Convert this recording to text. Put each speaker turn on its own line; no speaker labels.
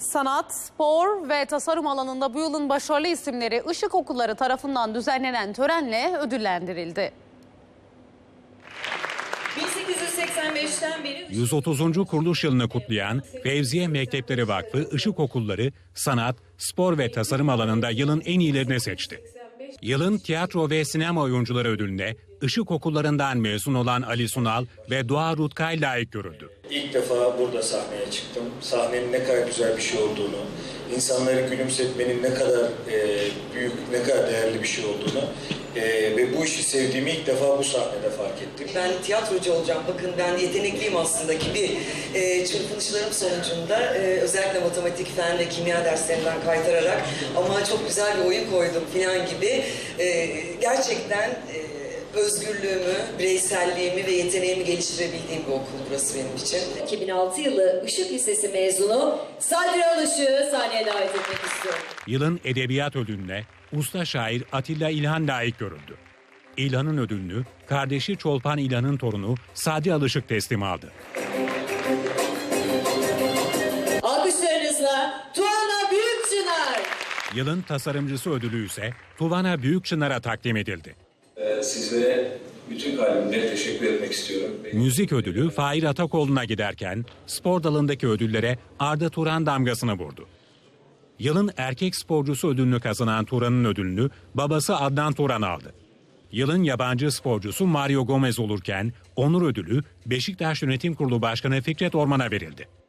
Sanat, spor ve tasarım alanında bu yılın başarılı isimleri Işık Okulları tarafından düzenlenen törenle ödüllendirildi.
1885'ten beri
130. kuruluş yılını kutlayan Fevziye Mektepleri Vakfı Işık Okulları sanat, spor ve tasarım alanında yılın en iyilerini seçti. Yılın tiyatro ve sinema oyuncuları ödülüne Işık Okullarından mezun olan Ali Sunal ve Doğa Rutkay layık görüldü.
İlk defa burada sahneye çıktım. Sahnenin ne kadar güzel bir şey olduğunu, insanları gülümsetmenin ne kadar büyük, ne kadar değerli bir şey olduğunu ve bu işi sevdiğimi ilk defa bu sahnede fark ettim.
Ben tiyatrocu olacağım, bakın ben yetenekliyim aslında gibi çırpınışlarım sonucunda özellikle matematik, fen ve kimya derslerinden kaytararak ama çok güzel bir oyun koydum falan gibi gerçekten özgürlüğümü, bireyselliğimi ve yeteneğimi geliştirebildiğim bir okul burası benim için.
2006 yılı Işık Lisesi mezunu Sadri Alışık'ı sahneye davet etmek istiyorum.
Yılın edebiyat ödülüne usta şair Atilla İlhan layık görüldü. İlhan'ın ödülünü kardeşi Çolpan İlhan'ın torunu Sadri Alışık teslim aldı.
Alkışlarınızla Tuana Büyükçınar.
Yılın tasarımcısı ödülü ise Tuvana Büyükçınar'a takdim edildi.
Sizlere bütün kalbimle teşekkür etmek istiyorum.
Müzik ödülü Fahir Atakoğlu'na giderken spor dalındaki ödüllere Arda Turan damgasını vurdu. Yılın erkek sporcusu ödülünü kazanan Turan'ın ödülünü babası Adnan Turan aldı. Yılın yabancı sporcusu Mario Gomez olurken onur ödülü Beşiktaş Yönetim Kurulu Başkanı Fikret Orman'a verildi.